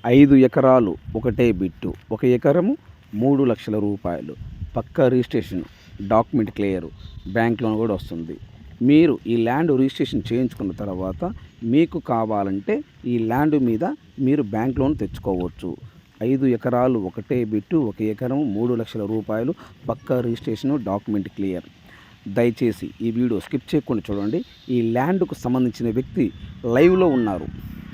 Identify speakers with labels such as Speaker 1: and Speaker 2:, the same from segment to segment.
Speaker 1: 5 ఎకరాలు ఒకటే బిట్టు, 1 ఎకరము 3 లక్షల రూపాయలు, పక్కా registration, document clear, bank loan కూడా వస్తుంది. మీరు ఈ ల్యాండ్ రిజిస్ట్రేషన్ చేయించుకున్న తర్వాత మీకు కావాలంటే ఈ ల్యాండ్ మీద మీరు బ్యాంక్ లోన్ తెచ్చుకోవచ్చు. 5 ఎకరాలు ఒకటే బిట్టు, 1 ఎకరం 3 లక్షల రూపాయలు, పక్కా రిజిస్ట్రేషన్, డాక్యుమెంట్ క్లియర్. దయచేసి ఈ వీడియో స్కిప్ చేయకుండా చూడండి. ఈ ల్యాండ్కు సంబంధించిన వ్యక్తి లైవ్లో ఉన్నారు.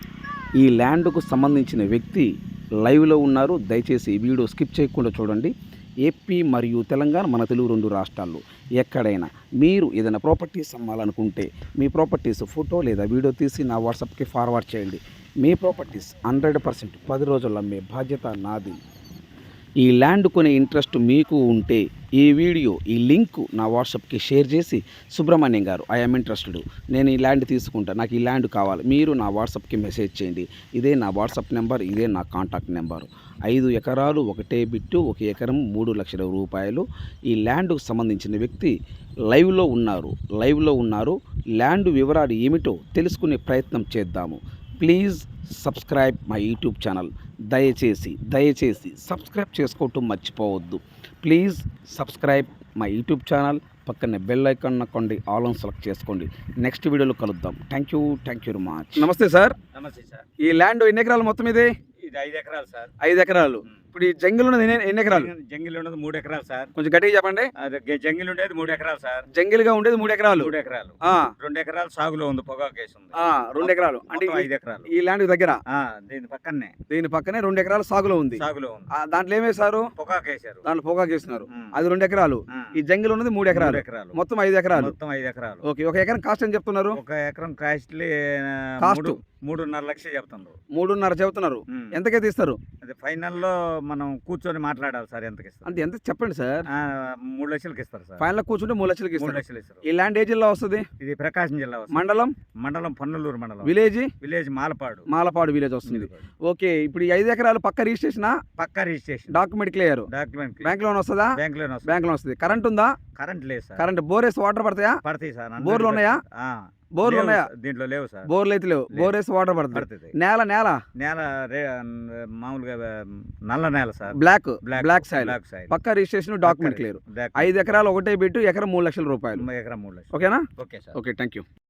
Speaker 1: దయచేసి ఈ వీడియో స్కిప్ చేయకుండా చూడండి. ఏపీ మరియు తెలంగాణ, మన తెలుగు 2 రాష్ట్రాల్లో ఎక్కడైనా మీరు ఏదైనా ప్రాపర్టీస్ అమ్మాలనుకుంటే మీ ప్రాపర్టీస్ ఫోటో లేదా వీడియో తీసి నా వాట్సాప్కి ఫార్వర్డ్ చేయండి. మీ ప్రాపర్టీస్ 100% 10 రోజుల్లో అమ్మే బాధ్యత నాది. ఈ ల్యాండ్ కొనే ఇంట్రెస్ట్ మీకు ఉంటే ఈ లింక్ నా వాట్సాప్కి షేర్ చేసి, సుబ్రహ్మణ్యం గారు ఐఎమ్ ఇంట్రెస్టెడ్, నేను ఈ ల్యాండ్ తీసుకుంటా, నాకు ఈ ల్యాండ్ కావాలి, మీరు నా వాట్సాప్కి మెసేజ్ చేయండి. ఇదే నా వాట్సాప్ నెంబర్, ఇదే నా కాంటాక్ట్ నెంబరు. 5 ఎకరాలు ఒకటే బిట్టు, 1 ఎకరం 3 లక్షల రూపాయలు. ఈ ల్యాండ్కు సంబంధించిన వ్యక్తి లైవ్లో ఉన్నారు. ల్యాండ్ వివరాలు ఏమిటో తెలుసుకునే ప్రయత్నం చేద్దాము. Please subscribe my YouTube channel. దయచేసి సబ్స్క్రైబ్ చేసుకోవటం మర్చిపోవద్దు. Please subscribe my YouTube channel. పక్కనే బెల్ ఐకాన్ నొక్కండి, ఆల్ ఆన్ సెలెక్ట్ చేసుకోండి. నెక్స్ట్ వీడియోలో కలుద్దాం. Thank you very much. నమస్తే సార్.
Speaker 2: నమస్తే సార్.
Speaker 1: ఈ ల్యాండ్ ఎన్ని ఎకరాలు మొత్తం ఇది?
Speaker 2: ఇది 5 ఎకరాలు సార్.
Speaker 1: 5 ఎకరాలు. ఇప్పుడు ఈ జంగిల్ ఉన్నది ఎన్ని ఎకరాలు?
Speaker 2: జంగిల్ ఉన్నది 3 ఎకరాలు సార్.
Speaker 1: కొంచెం గట్టిగా చెప్పండి.
Speaker 2: జంగిల్ ఉండేది 3 ఎకరాలు సార్.
Speaker 1: జంగిల్ గా ఉండేది 3 ఎకరాలు.
Speaker 2: 3 ఎకరాలు. 2 ఎకరాలు సాగులో ఉంది, పొగాకు కేసు ఉంది.
Speaker 1: 2 ఎకరాలు అంటే
Speaker 2: 5 ఎకరాలు.
Speaker 1: ఈ ల్యాండ్ దగ్గర
Speaker 2: దీని పక్కనే
Speaker 1: 2 ఎకరాలు సాగులో ఉంది. దాంట్లో ఏమేశారు?
Speaker 2: పొగాకు వేసారు.
Speaker 1: దాంట్లో పొగాకు వేస్తున్నారు. అది 2 ఎకరాలు. ఈ జంగిల్ ఉన్నది 3 ఎకరాలు. మొత్తం 5 ఎకరాలు. ఓకే. 1 ఎకరం కాస్ట్ అని చెప్తున్నారు?
Speaker 2: 1 ఎకరం కాస్ట్ 3.5 లక్షలు చెప్తున్నారు.
Speaker 1: 3.5 చెబుతున్నారు. ఎంతకే తీస్తారు?
Speaker 2: అది ఫైనల్ లో మనం కూర్చొని మాట్లాడాలి సార్. ఎంతకి ఇస్తారు
Speaker 1: అంటే ఎంత చెప్పండి సార్.
Speaker 2: 3 లక్షలకి ఇస్తారు సార్.
Speaker 1: ఫైనల్ కూర్చుంటే 3 లక్షలకి
Speaker 2: ఇస్తారు.
Speaker 1: ఈ ల్యాండ్ ఏ జిల్లా వస్తుంది?
Speaker 2: ఇది ప్రకాశం జిల్లా. మండలం పన్నలూరు మండలం. విలేజ్ మాలపాడు విలేజ్ వస్తుంది. ఓకే. ఇప్పుడు ఈ 5 ఎకరాలు పక్క registration, document clear, bank loan వస్తుందా? బ్యాంక్ లోన్ వస్తుంది. కరెంట్ ఉందా? కరెంట్ లేదు సార్.
Speaker 1: కరెంట్ బోరేస్ వాటర్ పడతాయా?
Speaker 2: పడతాయి సార్.
Speaker 1: బోర్లు ఉన్నాయా? బోర్లు ఉన్నాయా?
Speaker 2: దీంట్లో లేవు సార్.
Speaker 1: బోర్లు అయితే లేవు. బోరేస్ వాటర్ పడుతుంది. నేల
Speaker 2: మామూలుగా నల్ల నేల సార్.
Speaker 1: Black side. పక్క రిజిస్ట్రేషన్, డాక్యుమెంట్ క్లియర్. 5 ఎకరాలు ఒకటే బిట్టు, ఎకరం 3 లక్షల రూపాయలు.
Speaker 2: ఎకరం 3 లక్షలు.
Speaker 1: ఓకేనా?
Speaker 2: Okay sir.
Speaker 1: Okay. Thank you.